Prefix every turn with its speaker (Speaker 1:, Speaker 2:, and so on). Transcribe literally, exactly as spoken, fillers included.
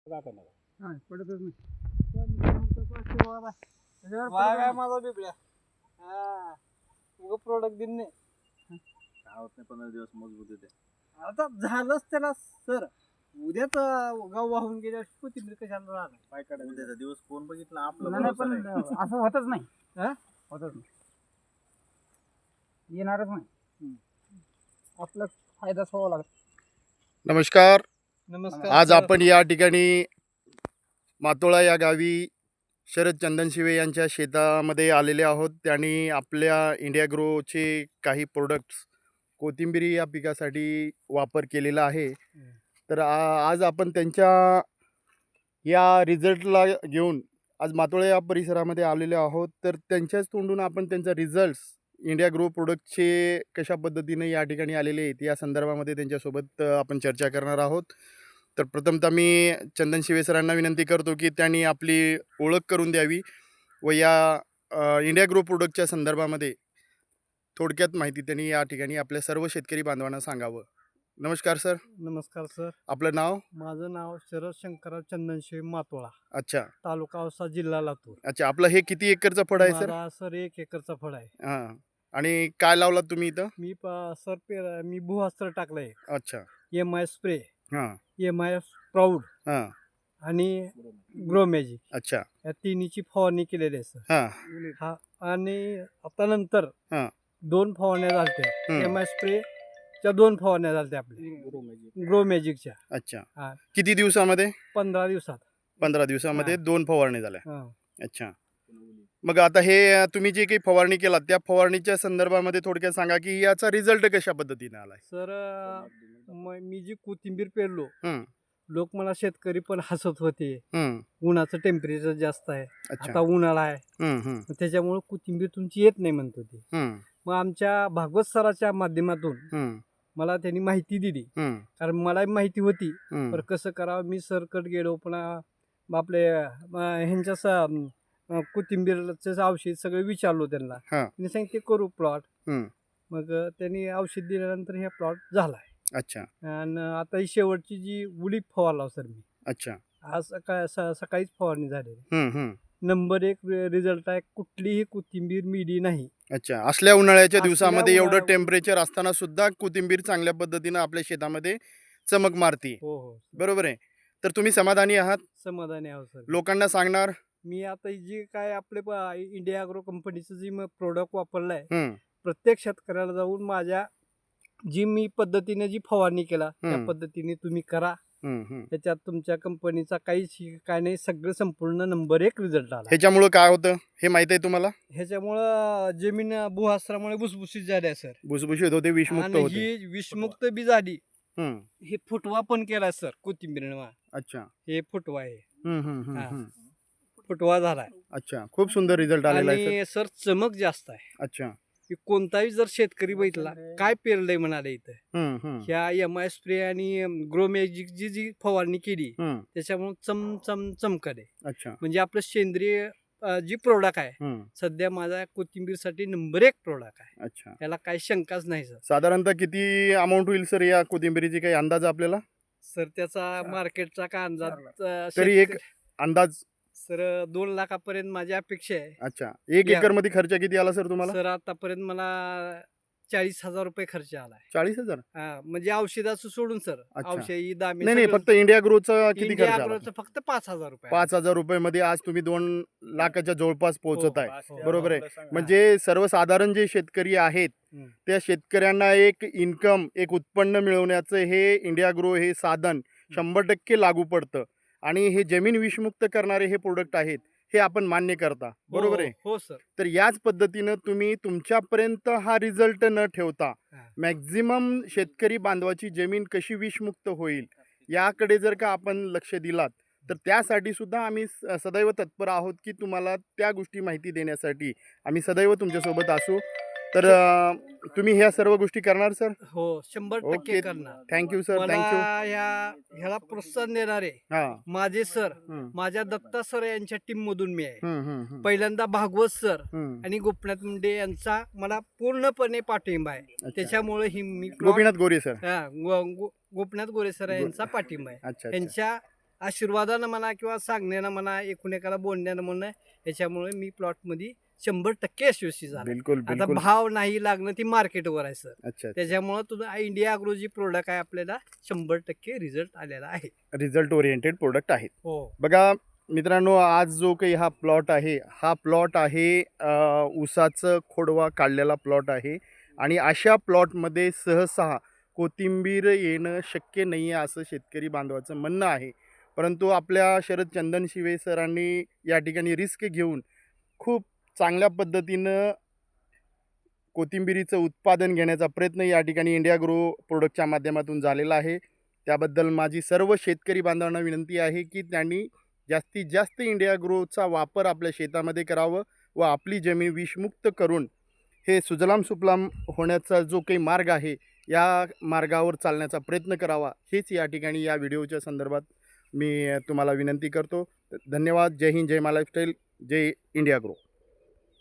Speaker 1: राखा नका
Speaker 2: हा पडतच नाही.
Speaker 3: वाघ आहे माझा बिबड्या. हा उग प्रोडक्ट दिन नाही.
Speaker 1: काय होत नाही पंधरा दिवस मजबूत येते.
Speaker 3: आता झालंच त्याला सर. उद्याच गाव वाहून गेल्या कोथिंबीर कशाला राहणार
Speaker 1: काय काढायचं उद्याचा दिवस कोण बघितला आपलं
Speaker 2: नाही, नाही,
Speaker 1: भरोसा
Speaker 2: पण
Speaker 1: नाही.
Speaker 2: असं होतच नाही.
Speaker 3: हा?
Speaker 2: होतच नाही, येणारच नाही. आपला फायदाच व्हावा लागत.
Speaker 4: नमस्कार.
Speaker 3: नमस्कार
Speaker 4: आज
Speaker 3: सर.
Speaker 4: आपण या ठिकाणी मातोळा या गावी शरद चंदनशिवे यांच्या शेतामध्ये आलेले आहोत. त्यांनी आपल्या इंडिया ग्रोचे काही प्रोडक्ट्स कोथिंबिरी या पिकासाठी वापर केलेला आहे. तर आ- आज आपण त्यांच्या या रिझल्टला घेऊन आज मातोळा या परिसरामध्ये आलेले आहोत. तर त्यांच्याच तोंडून आपण त्यांचा रिझल्ट्स इंडिया ग्रो प्रोडक्टचे कशा पद्धतीने या ठिकाणी आलेले आहेत या संदर्भामध्ये त्यांच्यासोबत अ, आपण चर्चा करणार आहोत. तर प्रथमतः मी चंदन शिवे सरांना विनंती करतो की त्यांनी आपली ओळख करून द्यावी व या अ, इंडिया ग्रो प्रोडक्टच्या संदर्भामध्ये थोडक्यात माहिती त्यांनी या ठिकाणी आपल्या सर्व शेतकरी बांधवांना सांगावं. नमस्कार सर,
Speaker 3: नमस्कार सर.
Speaker 4: आपलं नाव?
Speaker 3: माझं नाव शरद शंकरराव चंदनशिवे मातोळा,
Speaker 4: अच्छा
Speaker 3: तालुका औसा, जिल्हा लातूर.
Speaker 4: अच्छा आपलं हे किती एकरचं फळ आहे सर?
Speaker 3: माझा सर एक एकरचा फळ आहे.
Speaker 4: हां, आणि काय लावलात तुम्ही इथं?
Speaker 3: मी प- सर पेर मी भूअस्त्र टाकलंय.
Speaker 4: अच्छा.
Speaker 3: एम आय स्प्रे,
Speaker 4: हां
Speaker 3: एम आय प्राऊड
Speaker 4: हां
Speaker 3: आणि ग्रो मॅजिक
Speaker 4: अच्छा
Speaker 3: या तिन्हीची फवारणी केलेली आहे सर.
Speaker 4: हां
Speaker 3: हा आणि आता नंतर
Speaker 4: हां
Speaker 3: दोन फवारण्या झालत्या.
Speaker 4: हम्म.
Speaker 3: एम आय स्प्रेच्या दोन फवारण्या झालत्या आपल्या ग्रो मॅजिकच्या.
Speaker 4: अच्छा.
Speaker 3: हा.
Speaker 4: किती दिवसामध्ये?
Speaker 3: पंधरा दिवसात.
Speaker 4: पंधरा दिवसामध्ये
Speaker 3: हां.
Speaker 4: दोन फवारणी झाल्या.
Speaker 3: हा.
Speaker 4: अच्छा. मग आता हे अ, तुम्ही जे काही फवारणी केलात त्या फवारणीच्या संदर्भामध्ये थोडक्यात सांगा की याचा रिझल्ट कशा पद्धतीने आलाय?
Speaker 3: सर अं, म- मी जी कोथिंबीर पेरलो,
Speaker 4: हम्म,
Speaker 3: लोक मला शेतकरी पण हसत होते.
Speaker 4: हम्म,
Speaker 3: उन्हाचं टेम्परेचर जास्त आहे,
Speaker 4: अच्छा.
Speaker 3: आता उन्हाळा आहे,
Speaker 4: हम्म, हम्म,
Speaker 3: मग त्याच्यामुळे कोथिंबीर तुमची येत नाही म्हणत होती.
Speaker 4: हम्म,
Speaker 3: मग आमच्या भागवत सराच्या माध्यमातून
Speaker 4: हम्म,
Speaker 3: मला त्यांनी माहिती दिली.
Speaker 4: हम्म,
Speaker 3: कारण मला माहिती होती
Speaker 4: हम्म,
Speaker 3: पण कसं करावं. मी सरकट गेलो पुन्हा आपले अं, ह्यांच्या स- अं, कोथिंबीरचं औषध सगळं विचारलो त्यांना.
Speaker 4: हां.
Speaker 3: त्यांनी सांगितले करू प्लॉट.
Speaker 4: हम्म,
Speaker 3: मग अं, त्यांनी औषध दिल्यानंतर हे प्लॉट झालाय.
Speaker 4: अच्छा
Speaker 3: आणि आता ही शेवटची जी उडीद फवारला सर मी
Speaker 4: अच्छा.
Speaker 3: आज सकाळ स- सकाळीच फवारणी झालेली.
Speaker 4: हम्म, हम्म,
Speaker 3: नंबर एक रिझल्ट आहे. कुठलीही कोथिंबीर मिडी नाही.
Speaker 4: अच्छा. असल्या उन्हाळ्याच्या
Speaker 3: असल्या
Speaker 4: दिवसामध्ये एवढं
Speaker 3: उन्हाळ्या-
Speaker 4: टेम्परेचर असताना सुद्धा कोथिंबीर चांगल्या पद्धतीनं आपल्या शेतामध्ये चमक मारती.
Speaker 3: हो हो
Speaker 4: बरोबर आहे. तर तुम्ही समाधानी आहात?
Speaker 3: समाधानी आहो सर.
Speaker 4: लोकांना सांगणार?
Speaker 3: मी आता जी काय आपले प- इंडिया अॅग्रो कंपनीचं जी प्रोडक्ट वापरलंय,
Speaker 4: हम्म,
Speaker 3: प्रत्येक शेतकऱ्याला जाऊन माझ्या जी मी पद्धतीने जी फवारणी केला त्या
Speaker 4: हम्म.
Speaker 3: पद्धतीने तुम्ही करा.
Speaker 4: हम्म, हम्म.
Speaker 3: त्याच्यात तुमच्या कंपनीचा काहीच काय नाही, सगळं संपूर्ण नंबर एक रिझल्ट आला.
Speaker 4: ह्याच्यामुळं काय होतं हे माहित आहे तुम्हाला?
Speaker 3: ह्याच्यामुळं जमीन भूहस्त्रामुळे भुसभुशीत झाल्या सर.
Speaker 4: भुसभुशीत होते, विषमुक्त
Speaker 3: आणि
Speaker 4: होते.
Speaker 3: ही विषमुक्त बी झाली.
Speaker 4: हम्म,
Speaker 3: हे फुटवा पण केला सर कोथिंबीर.
Speaker 4: अच्छा.
Speaker 3: हे फुटवा आहे.
Speaker 4: हम्म, हम्म, हम्म,
Speaker 3: हा.
Speaker 4: हम्म.
Speaker 3: फुटवा झालाय.
Speaker 4: अच्छा. खूप सुंदर रिझल्ट आलेला आहे सर.
Speaker 3: आणि सर चमक जास्त आहे.
Speaker 4: अच्छा.
Speaker 3: की कोणताही जर शेतकरी बघितला काय पेरलंय म्हणाले इथं,
Speaker 4: हम्म, हम्म,
Speaker 3: ह्या एम आय स्प्रे आणि ग्रो मॅजिकची जी फवारणी केली
Speaker 4: हम्म.
Speaker 3: त्याच्यामुळे चम चम चमकले.
Speaker 4: अच्छा.
Speaker 3: म्हणजे आपलं सेंद्रिय अं, जी प्रोडक्ट आहे
Speaker 4: हम्म,
Speaker 3: सध्या माझा कोथिंबीरसाठी नंबर एक प्रोडक्ट आहे.
Speaker 4: अच्छा.
Speaker 3: याला काही शंकाच नाही सर.
Speaker 4: साधारणतः किती अमाऊंट होईल सर या कोथिंबिरीची काही अंदाज आपल्याला?
Speaker 3: सर त्याचा मार्केटचा का अंदाज अं,
Speaker 4: तरी एक
Speaker 3: शेतकरी-
Speaker 4: अंदाज?
Speaker 3: सर दोन लाखापर्यंत माझी अपेक्षा आहे.
Speaker 4: अच्छा. एक
Speaker 3: या.
Speaker 4: एकर मध्ये खर्च किती आला सर तुम्हाला?
Speaker 3: सर आतापर्यंत मला चाळीस हजार रुपये खर्च आलाय.
Speaker 4: चाळीस हजार?
Speaker 3: हा, म्हणजे औषधाचं सोडून सर.
Speaker 4: अच्छा.
Speaker 3: औषधी दामी
Speaker 4: नाही नाही,
Speaker 3: सगळं-
Speaker 4: फक्त इंडिया ग्रोचा किती
Speaker 3: इंडिया
Speaker 4: खर्च आला?
Speaker 3: अॅग्रोचं फक्त पाच हजार रुपये.
Speaker 4: पाच हजार रुपये मध्ये आज तुम्ही दोन लाखाच्या जवळपास पोहोचत आहे.
Speaker 3: हो,
Speaker 4: बरोबर आहे.
Speaker 3: हा.
Speaker 4: म्हणजे सर्वसाधारण जे शेतकरी आहेत
Speaker 3: हम्म.
Speaker 4: त्या शेतकऱ्यांना एक इन्कम, एक उत्पन्न मिळवण्याचं हे इंडिया ग्रो हे साधन शंभर टक्के लागू पडतं. आणि हे जमीन विषमुक्त करणारे हे प्रोडक्ट आहेत हे आपण मान्य करता. बरोबर
Speaker 3: हो,
Speaker 4: आहे.
Speaker 3: हो सर.
Speaker 4: तर याच पद्धतीनं तुम्ही तुमच्यापर्यंत हा रिझल्ट न ठेवता
Speaker 3: हा.
Speaker 4: मॅक्झिमम शेतकरी बांधवाची जमीन कशी विषमुक्त होईल याकडे जर का आपण लक्ष दिलात तर त्यासाठी सुद्धा आम्ही स- सदैव तत्पर आहोत की तुम्हाला त्या गोष्टी माहिती देण्यासाठी आम्ही सदैव तुमच्यासोबत असू. तर अं, तुम्ही ह्या सर्व गोष्टी करणार सर?
Speaker 3: हो, शंभर
Speaker 4: ओके.
Speaker 3: टक्के करणार.
Speaker 4: थँक्यू सर,
Speaker 3: मला
Speaker 4: थँक्यू.
Speaker 3: ह्या ह्याला प्रोत्साहन देणारे
Speaker 4: हां.
Speaker 3: माझे सर,
Speaker 4: हम्म,
Speaker 3: माझ्या दत्ता सर यांच्या टीम मधून मी आहे.
Speaker 4: हम्म, हम्म, हम्म,
Speaker 3: पहिल्यांदा भागवत सर
Speaker 4: हम्म.
Speaker 3: आणि गोपीनाथ मुंडे यांचा मला पूर्णपणे पाठिंबा आहे.
Speaker 4: अच्छा.
Speaker 3: त्याच्यामुळे ही मी plot-
Speaker 4: गोपीनाथ गोरे सर.
Speaker 3: हा, गो- गो- गोपीनाथ गोरे सर यांचा पाठिंबा आहे.
Speaker 4: अच्छा अच्छा.
Speaker 3: यांच्या आशीर्वादानं म्हणा किंवा सांगण्यानं म्हणा, एकूण एकाला बोलण्यानं म्हणा, याच्यामुळे मी प्लॉटमध्ये शंभर टक्के यशस्वी झालो.
Speaker 4: बिलकुल
Speaker 3: आता
Speaker 4: बिलकुल
Speaker 3: भाव नाही लागणं ती मार्केटवर आहे सर.
Speaker 4: अच्छा
Speaker 3: त्याच्यामुळं तुझं इंडिया ॲग्रो जी प्रोडक्ट आहे आपल्याला शंभर टक्के रिझल्ट आलेला आहे.
Speaker 4: रिझल्ट ओरिएंटेड प्रोडक्ट आहेत.
Speaker 3: हो
Speaker 4: बघा मित्रांनो, आज जो काही हा प्लॉट आहे हा प्लॉट आहे अ, ऊसाचं खोडवा काढलेला प्लॉट आहे आणि अशा प्लॉटमध्ये सहसा कोथिंबीर येणं शक्य नाही आहे असं शेतकरी बांधवाचं म्हणणं आहे. परंतु आपल्या शरद चंदनशिवे सरांनी या ठिकाणी रिस्क घेऊन खूप चांगल्या पद्धतीनं कोथिंबिरीचं उत्पादन घेण्याचा प्रयत्न या ठिकाणी इंडिया ग्रो प्रोडक्टच्या माध्यमातून झालेला आहे. त्याबद्दल माझी सर्व शेतकरी बांधवांना विनंती आहे की त्यांनी जास्तीत जास्त इंडिया ग्रोचा वापर आपल्या शेतामध्ये करावं व आपली जमीन विषमुक्त करून हे सुजलाम सुफलाम होण्याचा जो काही मार्ग आहे या मार्गावर चालण्याचा प्रयत्न करावा, हेच या ठिकाणी या व्हिडिओच्या संदर्भात मी तुम्हाला विनंती करतो. धन्यवाद. जय हिंद, जय मा लाईफस्टाईल, जय इंडिया ग्रो.